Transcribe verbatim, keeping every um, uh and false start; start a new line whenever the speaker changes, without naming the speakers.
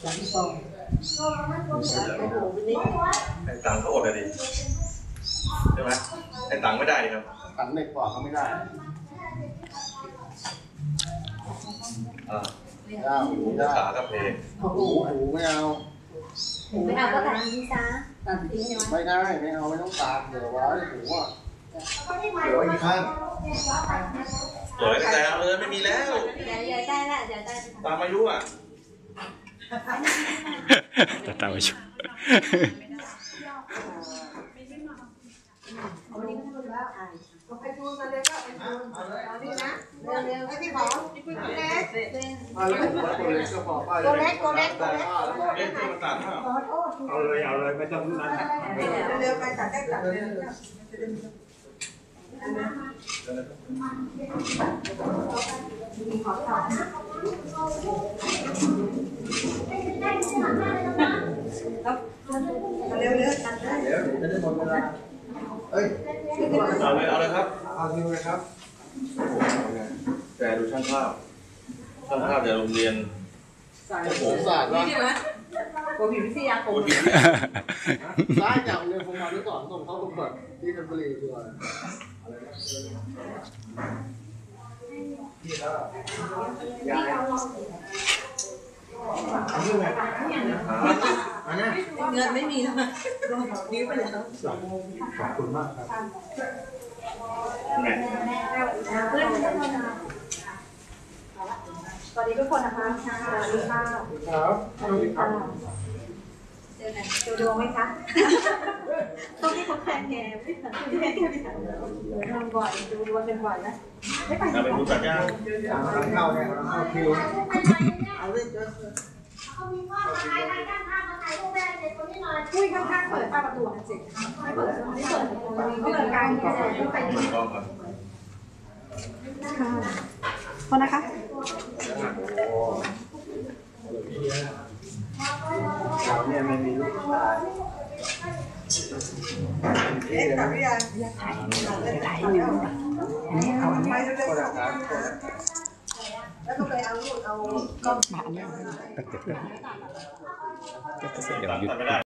สามสองโอ้โหวันนี้
ไอ้ตังก็อดเลยดิใช่ไหมไอ้ตังไม่ได้ครับ
ตังเด็กกว่าเขาไม่ได้
อ่าหูขากับเพลง
หูหูไม่เอา
ไม่เอาก็ตัดทิ้งซะตัดทิ้งใช่ไหม
ไม่ได้ไม่เอาไม่ต้องตามเดี๋ยวไว้หูอ่ะเดี๋ยวอีกข้าง
เดี๋ยวแต่เลยไม่มีแล้ว
เดี๋ยวเดี๋ยวได้ละเดี๋ยวได้
ตามอายุอ่ะ
แต่ตามอายุ
ไปทูนมาเลยก็ไปทูนเอาดินะเร็วเร็วให้พี่หมอพี่ปุ้ยตัวเล็ก
มาเลยตัวเล็กก็พอป้า
ตัวเล็กตัวเล็กตัวเล็ก
เล็กที่มาตัด
เอาเลยเอาเลยไม่ต้องนั่น
เร็วไปตัดได้ตัดเร็วขอต่อเร็วเร็วตัดได้
เดี๋ยวจะได้หมดเวลาเอ้ย
เอาเลยเอาเลยครับ
เอาคิวเลยครับ
แต่ดูช่างภาพช่างภาพจากโรงเรียน
ผมศาสตร์ว่า
โอ้ยวิทยาคม
ได้จากเรียนผมมาด้วยก่อนส่งเข้าประกวดที่ธัญบุรีตัวอะไรนะที่แล้วย้ายอันนี้ไงอันนี้
เงินไม่มีแล้วนิ้วไปแล้ว
ขอบคุณมากครับ
สวัสดีทุกคนนะคะสวัสดีค่ะ
ครับสวัสดีครับ
เจอไหนดูดวงไหมคะต้องให้คนแทนแกไม่เหมือนที่แม่แกไม่ทำดูบ่อยดูดวงเป็นบ่อยนะไม่ไป
ไปดูตัดยาง
เข้าเนี่ยเข้าคิวเอาเลยเจอ
คุยข้างๆเปิดป้าประตูนะจิไม่เปิดไม่เปิดไม่เปิดกลางนี่เลยต้องไปที่ค่ะคนนะคะ
เราเนี่ยไม่มีลูกชาย
เอ๊ะแต่ไม่ยังถ่ายถ่ายอยู่อันนี้เอาอันนี้แล้วก็ไปเอาลูกเอาก็มาอันนี้
เดี๋ยว